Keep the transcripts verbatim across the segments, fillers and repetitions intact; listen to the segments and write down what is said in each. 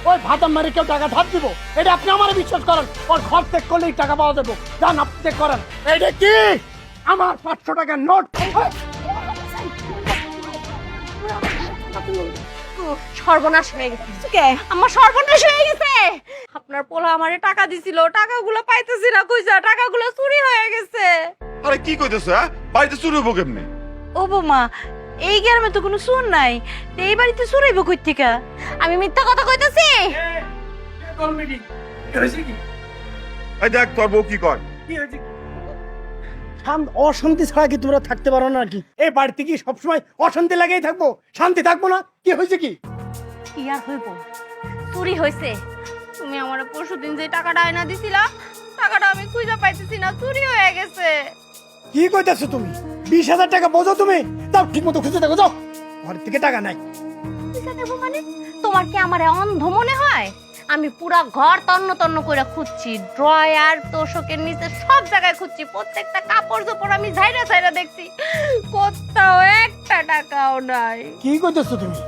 ওই ভাতাম মারি কেউ টাকা ধার দিব? এটা আপনি আমার বিশ্বাস করেন? ওর ঘর চেক করলেই টাকা পাওয়া যাবে। যান আপনি চেক করেন। এটা কি আমার পাঁচশো টাকার নোট? সর্বনাশ হয়ে গেছে। আমার সর্বনাশ হয়ে গেছে। আপনার পোলা আমারে টাকা দিছিল, টাকাগুলো পাইতেছি না, কইছা টাকাগুলো চুরি হয়ে গেছে। আরে কি কইতেছ? হ্যাঁ, বাড়িতে চুরি হবো কেমনে? ও বৌমা, এই গ্রামে তো কোনো চোর নাই, তো এই বাড়িতে চুর হইব কই থেকে? আমি মিথ্যা কথা কইতাছি? এই দেখ তোর বউ কি কর। অশান্তি ছাড়া কি তোমরা থাকতে পারো না নাকি? এই বাড়িতে কি সবসময় অশান্তি লাগেই থাকবো? শান্তি থাকবো না? কি হয়েছে কি? কি আর হইব, চুরি হইছে। তুমি আমার পরশুদিন যে টাকাটা আয়না দিছিলা, টাকাটা আমি খুঁজে পাইতেছি না, চুরি হয়ে গেছে। কি কইতাছো তুমি? বিশ হাজার টাকা বোঝো তুমি? তাও ঠিক মতো খুঁজে দেখো, যাও। ঘর থেকে টাকা নাই। খুঁজে দেবো মানে? তোমার কি আমার অন্ধ মনে হয়? আমি পুরা ঘর তন্ন তন্ন করে খুঁজছি, ড্রয়ার তোষকের নিচে সব জায়গায় খুঁজছি, প্রত্যেকটা কাপড় চোপড় আমি ঝাইরা ঝাইরা দেখছি, কোথাও একটা টাকাও নাই। কি কইতাছো তুমি?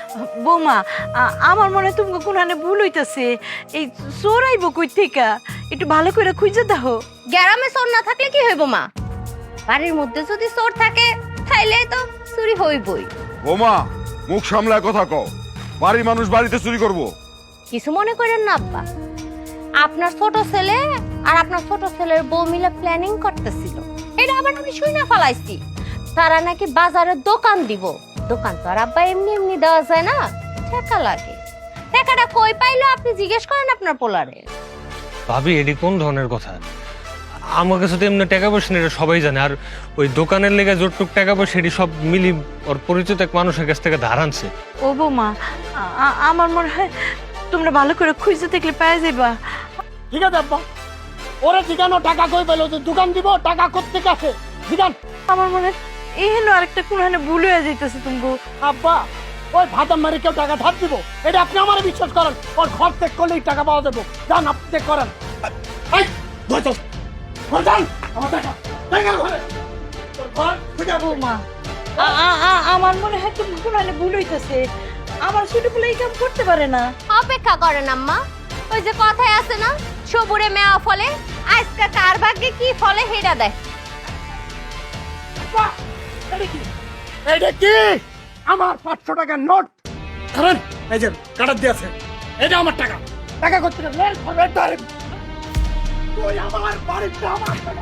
বৌমা, আমার মনে হয় তুমি কোনখানে ভুল হইতাছে। এই চোর আইব কই থেকে? একটু ভালো করে খুঁজে দাও। গ্রামে চোর না থাকলে কি হইব মা? বাড়ির মধ্যে যদি চোর থাকে তাইলে তো চুরি হইবই। বৌমা, মুখ সামলায় কথা কও। বাড়ির মানুষ বাড়িতে চুরি করবো? কিছু মনে করেন না আব্বা, আপনার ছোট ছেলে আর আপনার ছোট ছেলের বউ মিলে প্ল্যানিং করতেছিল। এটা আবার আমি শুই না ফেলাইছি, তারা নাকি বাজারে দোকান দিব। দোকান তো আর আব্বা এমনি এমনি দেওয়া যায় না, টাকা লাগে। টাকাটা কই পাইলো আপনি জিজ্ঞেস করেন আপনার পোলারে। ভাবি, এটি কোন ধরনের কথা? আমার কাছে তো এমনি টাকা পয়সা নেই, এটা সবাই জানে। আর ওই দোকানের লেগে যতটুক টাকা পয়সা এটি সব মিলি ওর পরিচিত এক মানুষের কাছ থেকে ধার আনছে। ও বৌমা, আমার মনে হয় তোমরা ভালো করে খুঁজে দেখলে পেয়ে যাবা। ঠিক আছে আব্বা, ওরা জিগানো টাকা কই পেলো? যে দোকান দিব, টাকা কোত্থেকে আসে জিগান। আমার মনে হয় এহেন আরেকটা কোনখানে ভুল হয়ে যাইতেছে তুমি। আব্বা, ওই ভাতাম মারি কেউ টাকা ধার দিব? এটা আপনি আমার বিশ্বাস করেন? ওর ঘর চেক করলেই টাকা পাওয়া যাবে। যান আপনি চেক করেন। এই, ঘর চল, ঘর যান। আমার টাকা, টাকা ঘরে। তোর ঘর খুঁজে পাবো। বৌমা, আ- আ- আ- আমার মনে হয় তুমি কোনখানে ভুল হইতেছে। আমার ছোট পোলা এই কাম করতে পারে না। অপেক্ষা করেন আম্মা, ওই যে কথায় আছে না, সবুরে মেয়া ফলে। আজকে কার ভাগ্যে কি ফলে হেডা দেয়। আব্বা, এটা কি? এটা কি আমার পাঁচশো টাকার নোট? ধরেন, এই যে কাটার দিয়ে আছে, এটা আমার টাকা। টাকা করতে না, লেন ঘরের দ্বারে। তুই আমার বাড়িতে আমার টাকা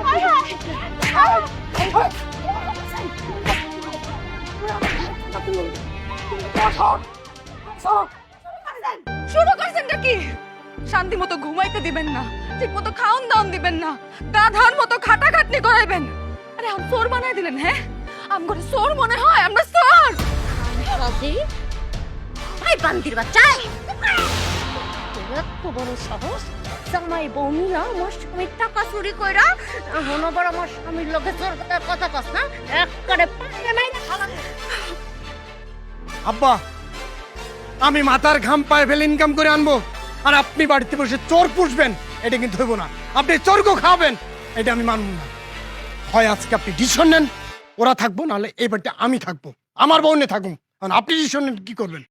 শুরু করছেন কি? শান্তি মতো ঘুমাইতে দিবেন না, ঠিক মতো খাওন দাওন দিবেন না, গাধার মতো খাটাখাটনি করাইবেন। আরে আম চোর বানাই দিলেন। হ্যাঁ, আম করে চোর মনে হয়? আমরা চোর? রাজি ভাই বান্দির বাচ্চা, তোর এত বড় সাহস! জামাই বউ মিলা আমার স্বামীর টাকা চুরি কইরা এখন আবার আমার স্বামীর লোকে চোর কথার কথা কস না? একবারে পায়ে মাইরা খালাম। আব্বা, আমি মাথার ঘাম পায়ে ফেলে ইনকাম করে আনবো, আর আপনি বাড়িতে বসে চোর পুষবেন? এটা কিন্তু হইব না। আপনি চোরকে খাবেন, এটা আমি মানব না। হয় আজকে আপনি ডিসিশন নেন, ওরা থাকবো, নাহলে এই বাড়িতে আমি থাকবো, আমার বউ নিয়ে থাকুন। আপনি ডিসিশন নেন কি করবেন?